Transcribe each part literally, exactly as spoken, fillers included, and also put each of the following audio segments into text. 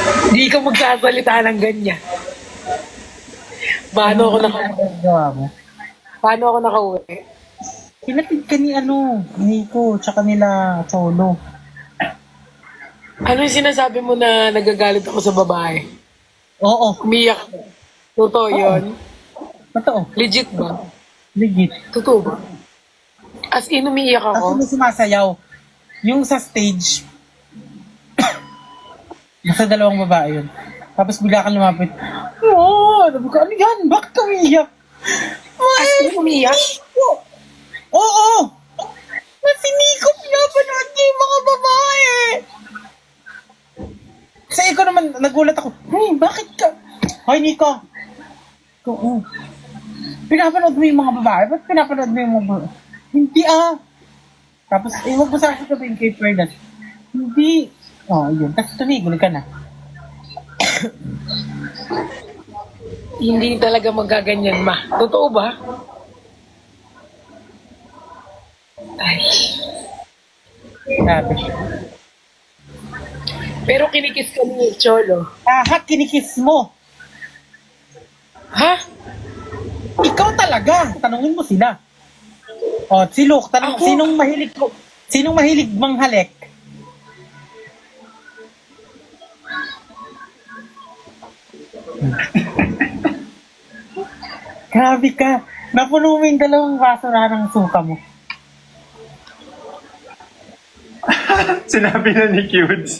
Hindi ka magsasalita ng ganyan. Paano ako naka... Gawa mo. Paano ako nakauwi? Pinatid ka ni ano, Nico, tsaka nila Cholo. Ano yung sinasabi mo na nagagalit ako sa babae? Oo, Umiyak ako. Totoo yun? totoo. Legit ba? Legit. Totoo ba? As in, umiiyak Kasi ako? may sumasayaw. Yung sa stage, nasa dalawang babae yun. Tapos bigla kang lumapit. Oo, sabi ko, ano yan? Bakit ka umiiyak? As in, umiiyak? Oo! Oo! Kasi Nico, pinapanood niya yung mga babae! Kasi ko naman, nagulat ako, hey, bakit ka? Hoy, Nico! Oo. Pinapanood mo yung mga babae? Ba't pinapanood mo yung mga babae? Hindi ah! Tapos, eh, huwag mo sa akin sabihin kay Fernan. Hindi. Oh, yun. Tapos tumigil ka na. Hindi talaga magaganyan, ma. Totoo ba? Ay. Sabi. Pero kinikis ka ni Cholo. Ah, kinikis mo. Ha? Ikaw talaga. Tanungin mo sila. O, si Luke, tanong, Ako? sinong mahilig ko? Sinong mahilig manghalik? Grabe ka. Napuno mo yung dalawang baso na ng suka mo. Sinabi na ni Cudes.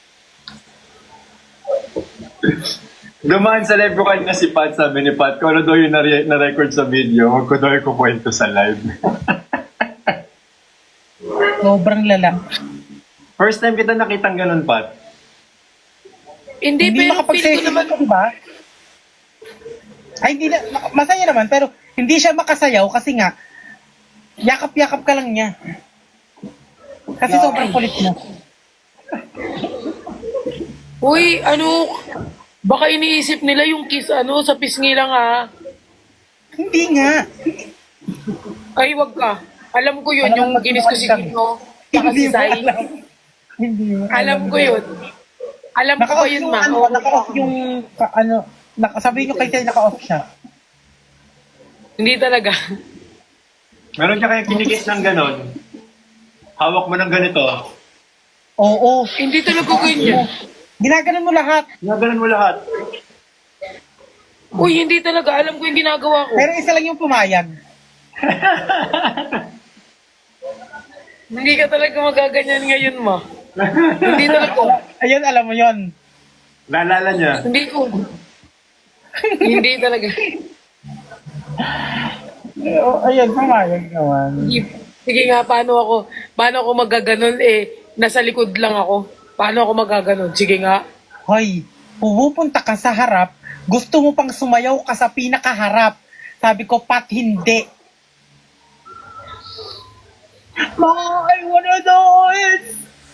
Dumaan sa live ko kanina si Pat, sabi ni Pat, kung ano daw yung nare- na-record sa video, huwag ko daw ikukwento sa live. Sobrang lala. First time kita nakitang ganun, Pat. Hindi, Hindi pero feel ko naman... makapag-save, di ba? Ay, hindi na, masaya naman, pero hindi siya makasayaw kasi nga, yakap-yakap ka lang niya. Kasi sobrang kulit mo. Uy, ano... Baka iniisip nila yung kiss, ano, sa pisngi lang, ha? Hindi nga. Ay, wag ka. Alam ko yun, Alam yung mo, ginis ko si kami. Kino. Saka Hindi si mo Sai. alam. Hindi mo Alam ko yun. Alam ko ba Naka-off yun, yung, ma? ano, Oo. naka-off yung, ka- ano, naka, sabihin nyo kay Tay, naka-off siya. Hindi talaga. Meron ka kayong kinikis ng ganon. Hawak mo ng ganito. Oo. Hindi talaga ganyan. Ginaganon mo lahat. Naganon mo lahat. Uy, hindi talaga. Alam ko yung ginagawa ko. Pero isa lang yung pumayag. Hindi ka talaga magaganyan ngayon, ma. Hindi talaga. Ayun, alam mo yon. Naalala niya. Hindi ko. Hindi talaga. Oh, ayun, pumayag naman. Hindi. Sige nga, paano ako, paano ako magaganon eh, nasa likod lang ako. Paano ako magaganon? Sige nga. Hoy, pupunta ka sa harap, gusto mo pang sumayaw ka sa pinakaharap. Sabi ko, Pat, hindi. Ma, I wanna do it!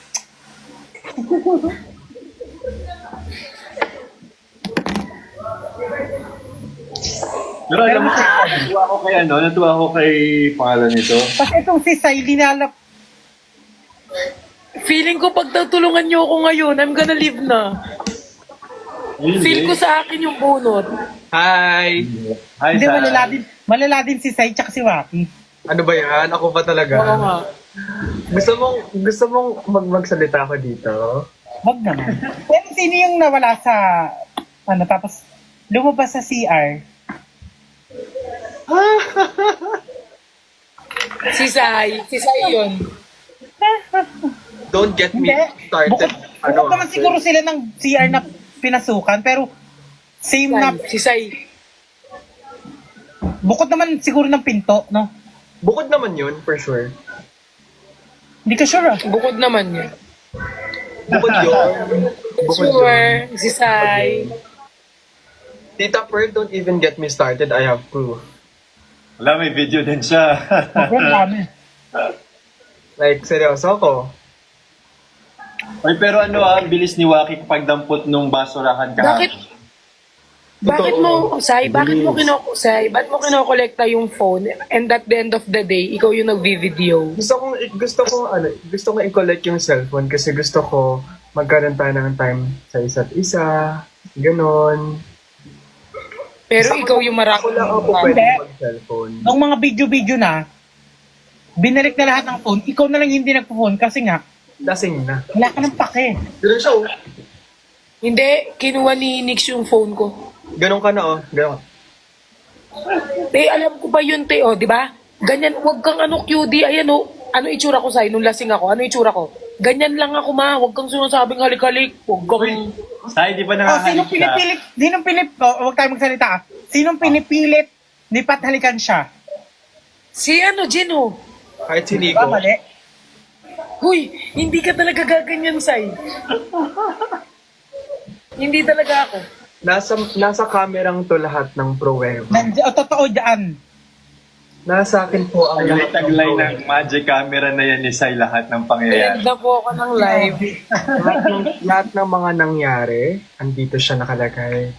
Pero alam mo, natuwa ako kay ano, natuwa ako kay pangalan nito. Kasi itong si Sai, linalap. Feeling ko pag tutulungan niyo ako ngayon, I'm gonna leave na. Feel ko sa akin yung bunot. Hi! Hi, Hindi, Sai. malala din, malala din si Sai tsaka si Waki. Ano ba yan? Ako pa talaga. Oo nga. Gusto mong, gusto mong mag magsalita ako dito? Wag naman. Pero sino yung nawala sa, ano, tapos lumabas sa C R? Si Sai. Si Sai yun. Don't get me Hindi. started. Bukod, ano, bukod naman siguro sila ng C R na pinasukan, pero same na, Sai. Si Sai. bukod naman siguro ng pinto, no? Bukod naman yun, for sure. Hindi ka sure ah. Bukod naman yun. Bukod yun. Bukod yun. Sure. Si Sai. Tita Pearl, don't even get me started. I have proof. Wala, may video din siya. Sobrang dami. Like, seryoso ko. Ay, pero ano ah, ang bilis ni Waki pagdampot nung basurahan ka. Bakit? Bakit mo, Sai, bakit mo kinoko, Sai, bakit mo kinokolekta yung phone and at the end of the day, ikaw yung nagvi-video? Gusto kong, gusto ko, ano, gusto ko i-collect yung cellphone kasi gusto ko magkaroon tayo ng time sa isa't isa, ganon. Pero Ako- ikaw yung marami. Ako lang ako pwede mag-cellphone. Nung mga video-video na, binalik na lahat ng phone, ikaw na lang hindi nagpo-phone kasi nga, Lasing na. wala ka ng pake. Ganun siya, oh. Hindi, kinuha ni Nix yung phone ko. Ganon ka na, oh. Ganon. Te, alam ko ba yun, te, oh, di ba? Ganyan, wag kang ano, Q D, ayan, oh. Ano itsura ko sa'yo nung lasing ako? Ano itsura ko? Ganyan lang ako, ma. Wag kang sinasabing halik-halik. Wag kang... Sai, di ba O, nakahalik sinong siya? pinipilit, sinong pinip, oh, huwag tayo magsalita ah. Sinong pinipilit ni Pat halikan siya? Si ano, Jino? Kahit si Ba, Nico. mali? Huy, hindi ka talaga gaganyan, Sai. Hindi talaga ako. Nasa, nasa kamerang to lahat ng pruweba. Nandiyan, oh, totoo dyan. Nasa akin po ang lahat ng Taglay pruweba. ng magic camera na yan ni Sai lahat ng pangyayari. Pinagda po ako ng live. lahat, ng, lahat ng mga nangyari, andito siya nakalagay.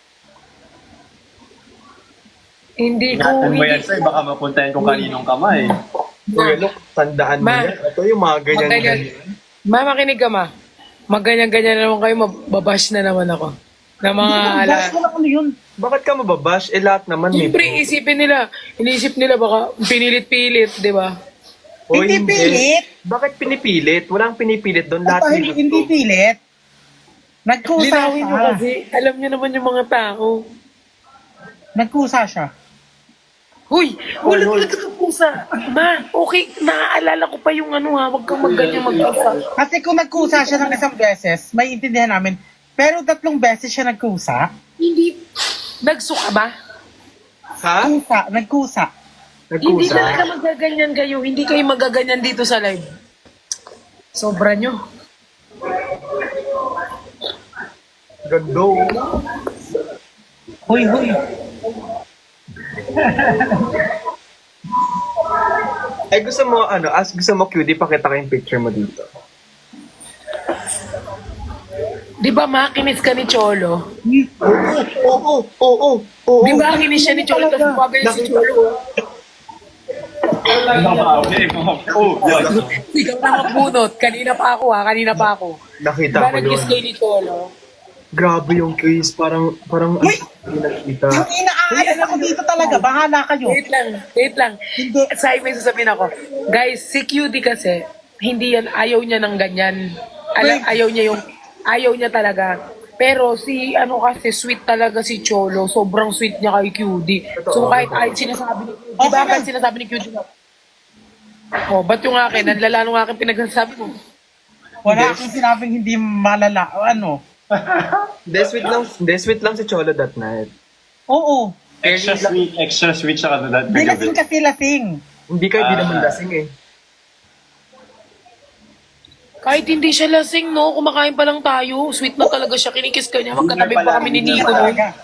Hindi ko, Ingatan mo yan, hindi Sai. Baka mapuntahan kung kaninong kamay. Kuya look, tandaan mo Ma- yan. Ito yung mga ganyan. Maganyan. ganyan. Ma, makinig ka, ma. Maganyan-ganyan na naman kayo, mababash na naman ako. Na mga ala... Bash mo lang ano yun. Bakit ka mababash? Eh lahat naman may Siyempre, proof. isipin nila, iniisip nila baka pinilit-pilit, di ba? O, Hindi pilit. Bakit pinipilit? Walang pinipilit doon. Lahat At may hindi, hindi gusto. pilit. Nagkusa Linawin mo siya. kasi, alam niyo naman yung mga tao. Nagkusa siya. Huy, wala talaga ka pusa. Ma, okay, naaalala ko pa yung ano ha, wag kang magganyan magpusa. Kasi kung nagkusa siya ng isang beses, may intindihan namin. Pero tatlong beses siya nagkusa. Hindi, nagsuka ba? Ha? Kusa, nagkusa. Hindi Nagkusa? talaga magaganyan kayo, hindi kayo magaganyan dito sa live. Sobra nyo. Gando. Huy, huy. Eh gusto mo, ano, as gusto mo, cutie, pakita ko yung picture mo dito. Di ba makinis ka ni Cholo? Oo, oo, oo, oo. Di ba kinis siya ni Cholo, tapos bagay si Cholo? Okay, oh, yun. Ikaw na magbunot. Kanina pa ako ha, kanina pa ako. Nakita Diba ko nag-kiss yun. kayo ni Cholo? Grabe yung kiss. Parang, parang, Uy! hindi nakita. Yung inaalis ako dito talaga. Bahala kayo. Wait lang, wait lang. Hindi. Sa may sasabihin ako, guys, si Q D kasi, hindi yan, ayaw niya ng ganyan. Alam, Wait. ayaw niya yung, ayaw niya talaga. Pero si, ano kasi, sweet talaga si Cholo. Sobrang sweet niya kay Q D. So Totoo, kahit totoo. ay, sinasabi ni Q D, Okay di ba na. kahit sinasabi ni Q D na, oh, ba't yung akin, ang lala nung akin pinagsasabi mo? Wala akong sinabing hindi malala. O ano? Hindi, sweet lang, hindi, sweet lang si Cholo that night. Oo. Extra sweet, extra sweet siya ka Di lasing kasi lasing. Hindi ka, di Ah. naman lasing eh. Kahit hindi siya lasing, no? Kumakain pa lang tayo. Sweet na talaga siya. Kinikis ka niya. Magkatabi pa kami ni Nico. No? Talaga.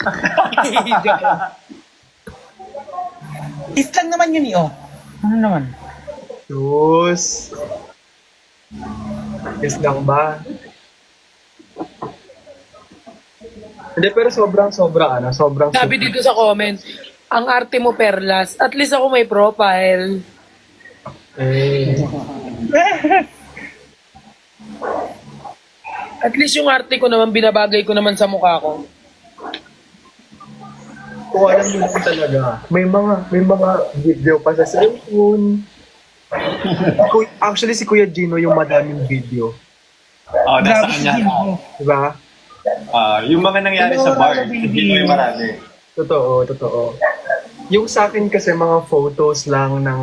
Kiss lang naman yun eh, oh. Ano naman? Sus. Kiss lang ba? Hindi, pero sobrang, sobrang, ano, sobrang Sabi dito sa comment, ang arte mo perlas. At least ako may profile. Eh, At least yung arte ko naman, binabagay ko naman sa mukha ko. kung alam mo lang talaga, may mga, may mga video pa sa cellphone. Ku- Actually, si Kuya Gino yung madaming video. Oh, nasa Grabe kanya. si Gino. Diba? Ah, yung mga nangyari sa bar, hindi mo yung marami. Totoo, totoo. Yung sa akin kasi mga photos lang ng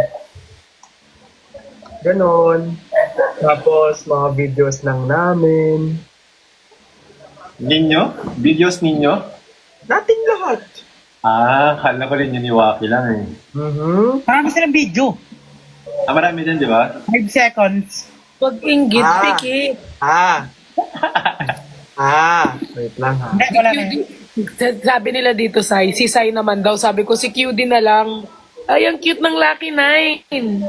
ganon. Tapos mga videos lang namin. Ninyo? Videos ninyo? Nating lahat. Ah, kala ko rin yun ni Waki lang eh. Mhm. Marami silang video. Ah, marami din, di ba? Five seconds. Pag inggit, Ah. pikit. Ah. ah. Wait lang ha. Hindi, wala na yun. Sabi nila dito, Sai, si Sai naman daw. Sabi ko, si Q D na lang. Ay, ang cute ng Lucky Nine.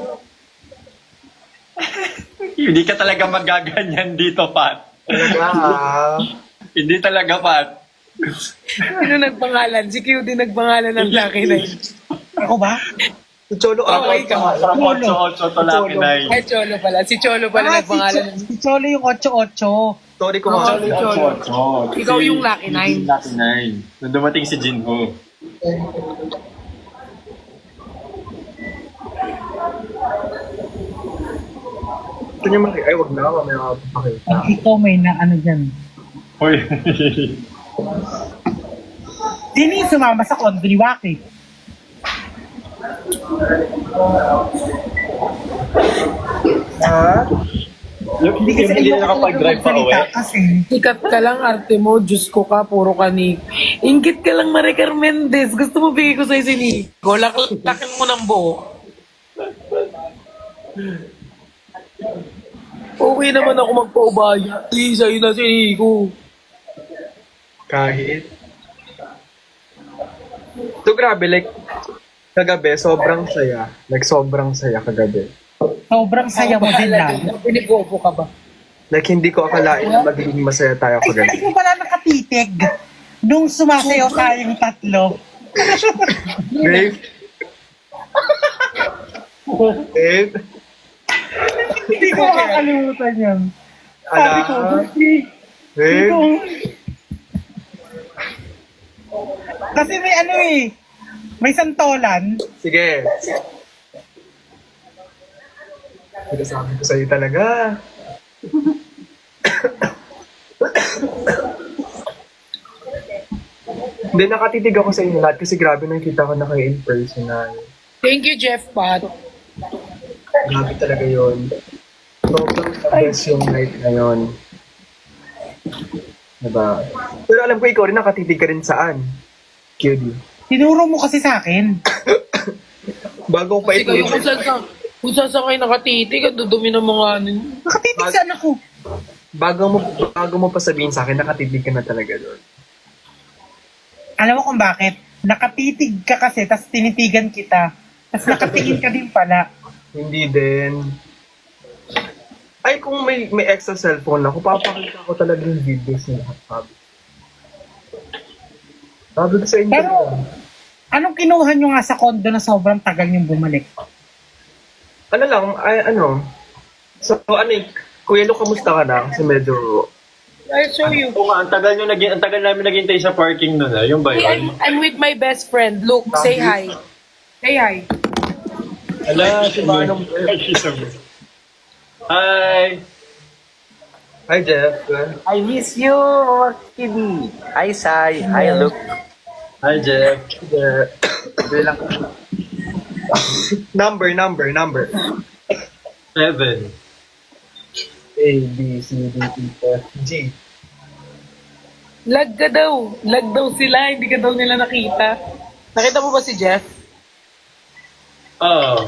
Hindi ka talaga magaganyan dito, Pat. Talaga ha. Hindi talaga, Pat. Sino nagpangalan? Si Q D nagpangalan ng Lucky Nine. Ako ba? Si Cholo, Oh, ah, ikaw. From Cholo. eight eight to Lucky nine. Ay, Cholo pala. Si Cholo pala Ah, si, nagpangalan. Cho- si Cholo yung eight eight. Sorry ko Oo, nga. si Cholo. Ikaw yung Lucky Nine. Lucky Nine. Nung dumating si Jinho. Ito niya maki... Ay, wag na. Mamaya makapapakita. Ang ikaw may na ano dyan. Hoy. Sino yung sumama sa kondo ni Waki? Ha? Yung hindi kasi hindi ayoko na nakapag-drive pa magsalita uwi. Kasi, Sikat ka lang, arte mo. Diyos ko ka, puro ka ni... Ingit ka lang, Maricar Mendez. Gusto mo bigay ko sa'yo si Nico. Lak- lakin mo ng buo. Okay naman ako magpaubaya. Eh, sa'yo na si Nico. Kahit. So, grabe, like, kagabi, sobrang saya. Like, sobrang saya kagabi. sobrang saya mo din lang. Pinigopo ka ba? Like, hindi ko akalain na magiging masaya tayo Ay, kagabi. hindi ko pala nakatitig. Nung sumasayaw tayong tatlo. Babe? Babe? Hindi ko makakalimutan yun. Sabi ko, Ala? kasi, Babe? kung... Kasi may ano eh, may santolan. Sige. Sinasabi ko sa'yo talaga. Hindi, nakatitig ako sa inyo lahat kasi grabe nakita ko na kayo in personal. Thank you, Jeff Pat. Grabe talaga yun. Sobrang the best yung night na yun. Diba? Pero alam ko ikaw rin nakatitig ka rin saan? Q D. Tinuro mo kasi sa akin. Bago ko pa Kasi kayo kung ito. saan sa... Kung saan sa kayo nakatitig, ang dudumi ng mga ano. Nakatitig saan ako? Bago mo, bago mo pa sabihin sa akin, nakatitig ka na talaga doon. Alam mo kung bakit? Nakatitig ka kasi, tas tinitigan kita. Tas nakatingin ka din pala. Hindi din. Ay, kung may may extra cellphone ako, papakita ko talaga yung videos na lahat. Sabi. Sabi ko sa inyo. Pero- Anong kinuha nyo nga sa kondo na sobrang tagal yung bumalik? ano lang, ay, ano. So, ano eh, Kuya Lu, kamusta ka na? Kasi medyo... I'll show you. Oo nga, ang tagal nyo naging, ang tagal namin naghintay sa parking nun ah. Yung ba Hey, I'm, yun? I'm with my best friend. Luke, say hi. Say hi. Ala, si Manong Hi! Hi, Jeff. I miss you, Kitty. Hi, Sai. Hi, Luke. Hi, Jeff. Yeah. Doon lang. Number, number, number. Seven. A, B, C, D, E, F, G. Lag ka daw. Lag daw sila. Hindi ka daw nila nakita. Nakita mo ba si Jeff? Oh.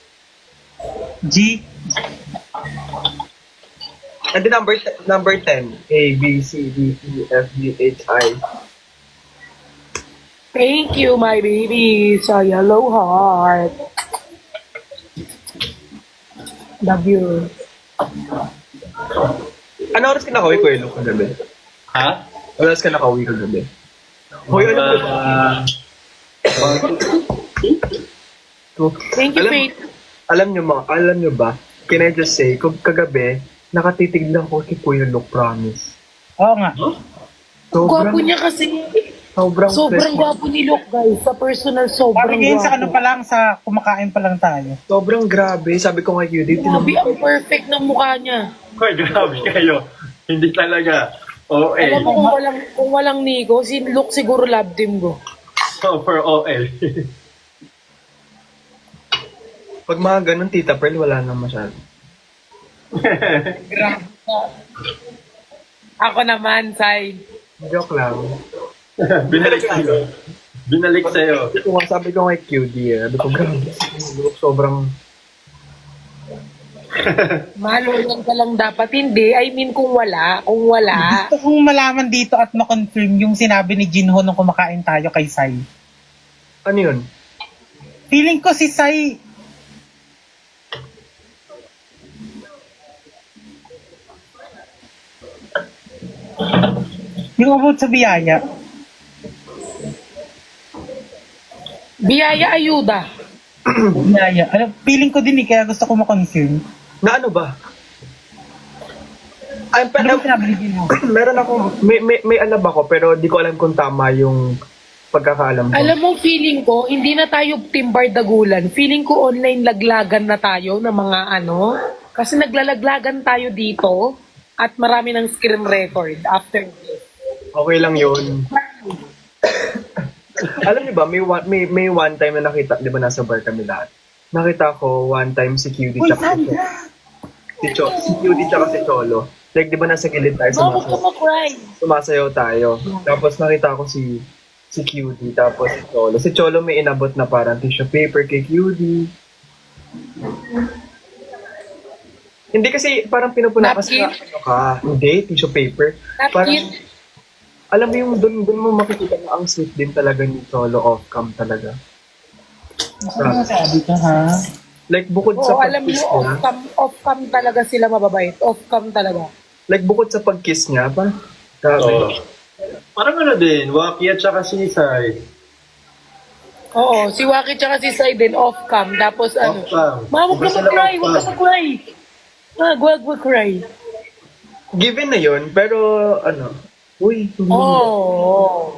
G? And the number t- number ten. A, B, C, D, E, F, G, H, I. Thank you, my baby. Sa yellow heart. Love you. Ano oras ka nakauwi, Kuya Lu, kagabi? Ha? Ano oras ka nakauwi kagabi? Hoy, ano ba? Uh, Thank you, alam, Faith. alam nyo mga, alam nyo ba, can I just say, kung kagabi, nakatitig lang ko kay Kuya Lu, promise. Oo nga. Gwapo niya kasi. Sobrang, Sobrang fresh. gwapo ni Luke, guys. Sa personal, sobrang Sabi ngayon sa ano gwapo. pa lang, sa kumakain pa lang tayo. Sobrang grabe. Sabi ko kay Q D, Grabe, ang perfect ng mukha niya. Hoy, grabe kayo. Hindi talaga. O Alam mo L. kung walang, kung walang Nico, si Luke siguro love team ko. Super O L. pag mga ganun, Tita Pearl, wala na masyado. Grabe. Ako naman, Sai. Joke lang. Binalik sa'yo. Binalik sa'yo. Sabi ko, nga- sabi ko kay Q D, eh, sabi ko, grabe, si Lu, sobrang, Malulang ka lang dapat. Hindi. I mean, kung wala. Kung wala. Gusto kong malaman dito at ma-confirm yung sinabi ni Jinho nung kumakain tayo kay Sai. ano yun? Feeling ko si Sai... Yung about sa biyaya. Biyaya ayuda. Inaya. Alam, feeling ko din eh, kaya gusto ko makonfirm. Na ano ba? Ay, Ano pero, ba sinabi ni Gino? meron ako, may, may, may alam ako, pero di ko alam kung tama yung pagkakaalam ko. Alam mo, feeling ko, hindi na tayo Team Bardagulan. Feeling ko online laglagan na tayo ng mga ano. Kasi naglalaglagan tayo dito at marami ng screen record after this. Okay lang yun. Alam niyo ba, may one, may, may one time na nakita, di ba nasa bar kami lahat? Nakita ko one time si Q D Uy, tsaka si, Sandra! si, Cho, si Q D tsaka si Cholo. Like, di ba nasa gilid tayo, No, huwag ka sumasayaw, mag-cry. sumasayaw tayo. Tapos nakita ko si si Q D, tapos si Cholo. Si Cholo may inabot na parang tissue paper kay Q D. Hindi kasi parang pinupuna kasi Napkin? ano ka. Hindi, tissue paper. Parang, Napkin? alam mo yung doon doon mo makikita na ang sweet din talaga ni Cholo off-cam talaga. Ano sabi ka, ha? Like bukod Oo, sa alam pag-kiss mo, niya, off-cam, off-cam talaga sila mababait. Off-cam talaga. like bukod sa pag-kiss niya, parang grabe. Oo. Parang ano din, Waki at saka si Sai. Oo, si Waki tsaka si Sai din off-cam. Tapos ano, Off-cam. Ma, huwag Iba ka sila mag-cry, huwag ka off-cam. mag-cry. Wag, wag, wag cry. Given na yun, pero ano, uy, hindi. Oo.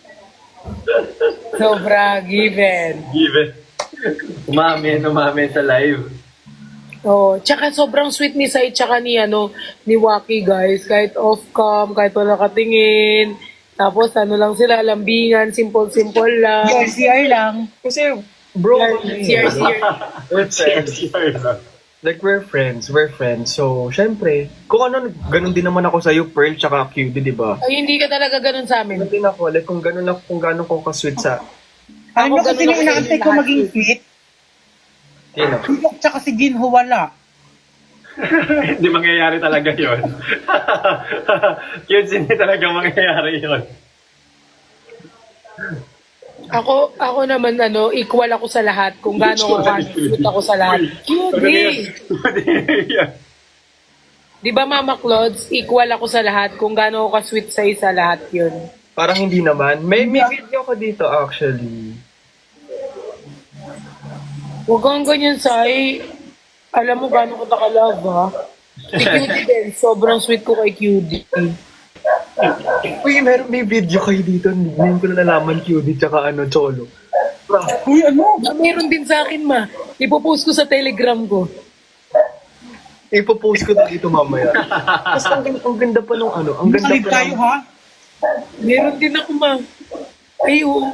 Sobra, given. Given. Umamin, umamin sa live. Oh, tsaka sobrang sweet ni Sai tsaka ni ano ni Waki guys, kahit off cam, kahit wala katingin. Tapos ano lang sila, lambingan, simple-simple lang. Your C R lang. Kasi, bro, C R C R. C R lang. like we're friends, we're friends. So, syempre, kung ano, ganun din naman ako sa'yo, Pearl, tsaka Q D, di ba? Ay, hindi ka talaga ganun sa amin. Ganun din ako, like kung ganun ako, kung ganun ko ka-sweet sa, Alam mo Ako kasi ganun nung ako inaantay sa ko lahat maging eh. fit, sino? Tulok tsaka si Ginho wala. Hindi mangyayari talaga yun. Yun, hindi talaga mangyayari yun. Ako, ako naman ano, equal ako sa lahat. Kung gaano ako ka-sweet ako sa lahat. Cutie! Di ba Mama Clods, equal ako sa lahat. Kung gaano ako ka-sweet sa isa lahat yun. Parang hindi naman. May, may video ko dito, actually. Huwag kang ganyan, Sai. Alam mo gaano ko takalove, ha? Si Q D din, sobrang sweet ko kay Q D. Uy, meron may video kayo dito. Ngayon ko na nalaman Q D tsaka ano, Cholo. Bro, Uy, ano? Ah, meron din sa akin, ma. Ipopost ko sa Telegram ko. ipopost ko na dito mamaya. Tapos ang, ganda- ang ganda pa nung ano, ang ganda Makalib pa tayo, ng, ha? Meron din ako, ma. Ay, oo.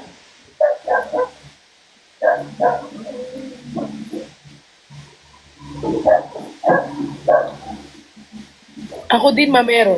Ako din, ma, meron.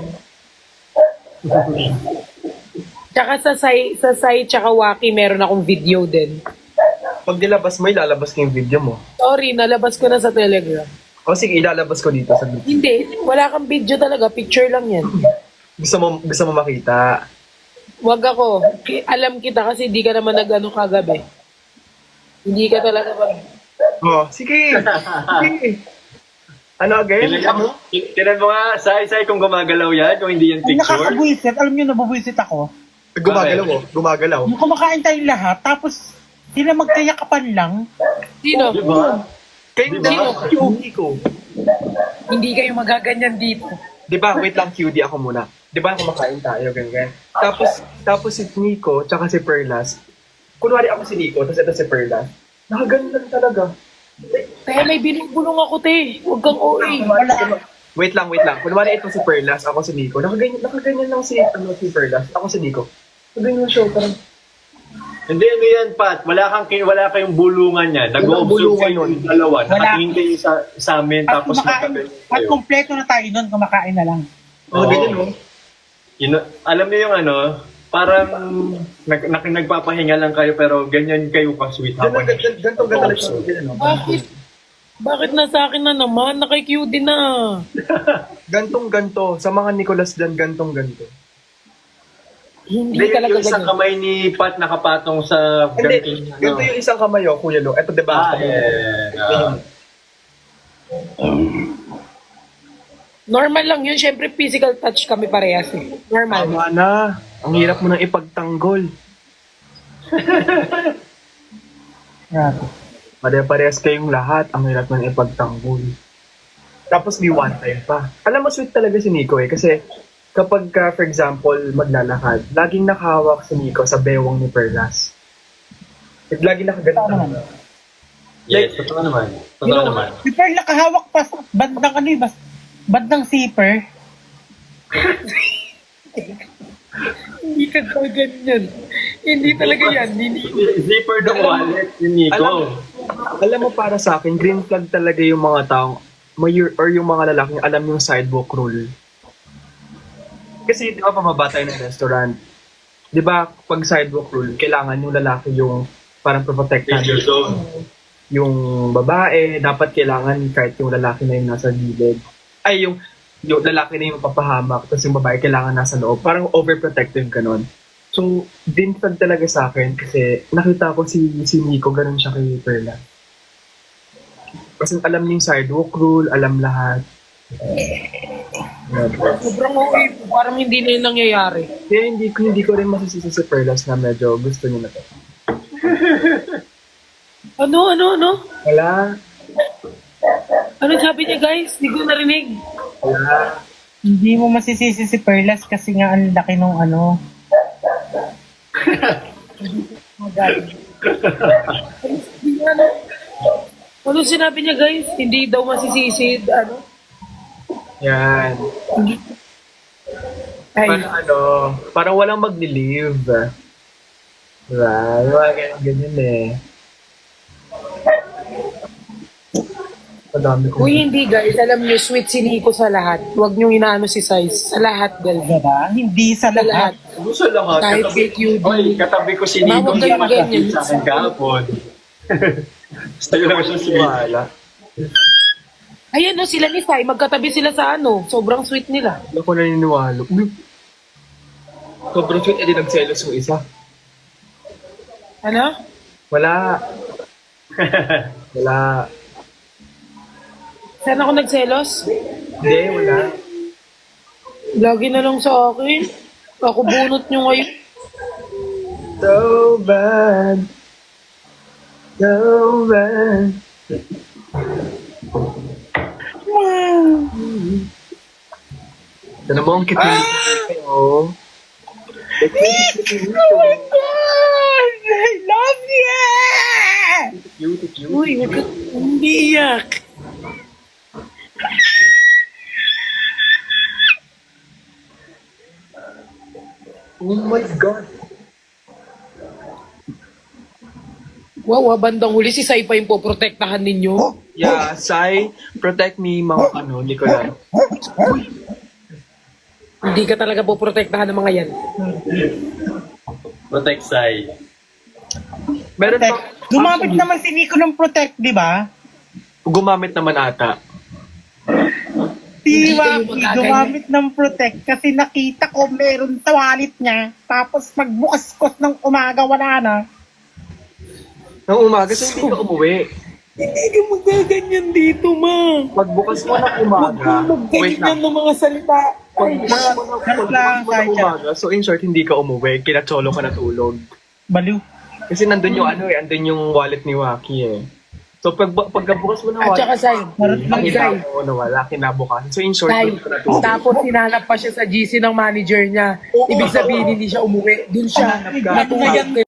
Tsaka sa Sai, sa Sai tsaka Waki, meron akong video din. pag nilabas mo, ilalabas ko yung video mo. Sorry, nalabas ko na sa Telegram. O sige, ilalabas ko dito sa video. Hindi, wala kang video talaga. Picture lang yan. Gusto mo, gusto mo makita. Wag ako. Ki- Alam kita kasi di ka naman nag-ano kagabi. Hindi ka talaga mag... Oh, sige. Sige. Ano again? Tinan mo, tinan mo nga, Sai-Sai kung gumagalaw yan, kung hindi yan Ang picture. nakakabuisit, alam niyo, nabubuisit ako. Gumagalaw oh. Gumagalaw. Yung kumakain tayong lahat, tapos sila magkayakapan lang. Sino? Di ba? Kayo Di di ba? Q D ko. Hindi kayo magaganyan dito. Di ba? Wait lang, Q D ako muna. Di ba kumakain tayo, ganyan. Tapos, tapos si Nico, tsaka si Perlas. Kunwari ako si Nico, tapos ito si Perlas. Nakaganda talaga. Kaya may binubulong ako, te. Huwag kang O A. Wala. Wait lang, wait lang. Kunwari ito si Perlas, ako si Nico. Nakaganyan, nakaganyan lang si, ano, si Perlas. Ako si Nico. Nakaganyan siya, parang, Hindi, ano yan, Pat? Wala, kang, kin- wala kayong bulungan yan. Walang Nag-observe bulungan kayo nun. yung dalawa. Wala. Nakatingin kayo sa, sa amin, At tapos kumakain, magkabit at kayo. kompleto na tayo nun, kumakain na lang. oh, ganyan, no? You know, alam niyo yung ano, parang nag, nag, nagpapahinga lang kayo pero ganyan kayo ka-sweet Ganyan, habang ganyan, ganito, ganito lang siya. Ganyan, no? Bakit? Bakit nasa akin na naman? Nakay-Q din na. Gantong ganto. Sa mga Nicolas dyan, gantong ganto. Hindi Hindi, talaga yung isang ganyan. kamay ni Pat nakapatong sa Hindi, ganting, ganito yung isang kamay, oh, kuya, no? Ito, diba? Ah, yeah. Ah. Normal lang yun. Siyempre, physical touch kami parehas eh. Normal. Tama na. Ang hirap mo nang ipagtanggol. Grabe. Pare-parehas kayong lahat. Ang hirap ng ipagtanggol. Tapos may one time pa. Alam mo, sweet talaga si Nico eh. Kasi kapag, ka, for example, maglalakad, laging nakahawak si Nico sa bewang ni Perlas. Like, laging nakaganito. Tama naman. Yes, totoo naman. Totoo You know, naman. si Pearl nakahawak pa sa bandang ano eh, bas- bandang zipper. Hindi ka daw ganyan. Hindi talaga yan. Hindi. Zipper ng wallet ni Nico. Alam, alam mo, para sa akin, green flag talaga yung mga taong, may, or yung mga lalaking alam yung sidewalk rule. Kasi, di ba, pamaba tayo ng restaurant. Di ba, pag sidewalk rule, kailangan yung lalaki yung parang protektahan Danger zone. yung babae. Dapat kailangan kahit yung lalaki na yung nasa gilid. Ay, yung, yung lalaki na yung papahamak, tapos yung babae kailangan nasa loob. Parang overprotective ganon. So, din flag talaga sa akin kasi nakita ko si, si Nico, ganun siya kay Perla. Kasi alam niya yung sidewalk rule, alam lahat. Sobrang okay. Parang hindi na yun nangyayari. Kaya hindi ko hindi ko rin masisisi si Perlas na medyo gusto niya na to. Ano, ano, ano? Wala. Ano sabi niya, guys? Hindi ko narinig. Wala. Hindi mo masisisi si Perlas kasi nga ang laki nung ano. ano? Ano sinabi niya, guys? Hindi daw masisisid. Ano? Yan. Ay, Parang ano, parang walang mag-leave. Diba? Yung mga ganyan, ganyan eh. Madami ko. uy, hindi, guys. Alam niyo, sweet si Nico sa lahat. Huwag niyo inaano si Size. Sa lahat, guys. Diba? Hindi sa Sa lahat. lahat. Gusto lahat. Kahit Katabi, fake you do. Oy, katabi ko si Nico. Mawag Hindi kayong makakit ganyan. sa akin kahapon. Sa'yo lang siya sweet. Wala. Ayan, no, sila ni Sai. Magkatabi sila sa ano. Sobrang sweet nila. Hindi ako naniniwala. Uy. Sobrang sweet, edi nagselos yung isa. Ano? Wala. Wala. Saan ako nagselos? Hindi, wala. Lagi na lang sa akin. Ako bunot nyo ngayon. So bad. So bad. Sana mo ang kitin kayo. Oh my God! I love you! Cute, cute. Uy, huwag ka hindi iyak. Oh my God. Wow, ah, bandang huli si Sai pa yung poprotektahan ninyo. Yeah, Sai, protect me, mga ano, Nicola. Hindi ka talaga poprotektahan ng mga yan. Protect Sai. Meron Protect. pa, Gumamit naman si Nico ng protect, di ba? gumamit naman ata. Hindi Si kayo Waki magaganyan. gumamit ng protect kasi nakita ko meron sa wallet niya. Tapos magbukas ko ng umaga, wala na. Nang umaga, sa hindi ka umuwi. Hindi ka magaganyan dito, ma. Pagbukas mo ng umaga, wait Magganyan lang. ng mga salita. Pagbukas mo ng, Ganun lang, pagbukas mo ng Sacha. umaga, so in short, hindi ka umuwi, kinatsolo ka natulog. Baliw. Kasi nandun yung ano eh, andun yung wallet ni Waki eh. So pag pagkabukas mo ng At saka, wallet, Sai, Marot lang, nakita Sai, mo na wala, kinabukasan. So in short, Sai, doon ka natulog. tapos sinanap pa siya sa G C ng manager niya. Ibig sabihin, hindi siya umuwi. Doon siya Ano na yan? natulog.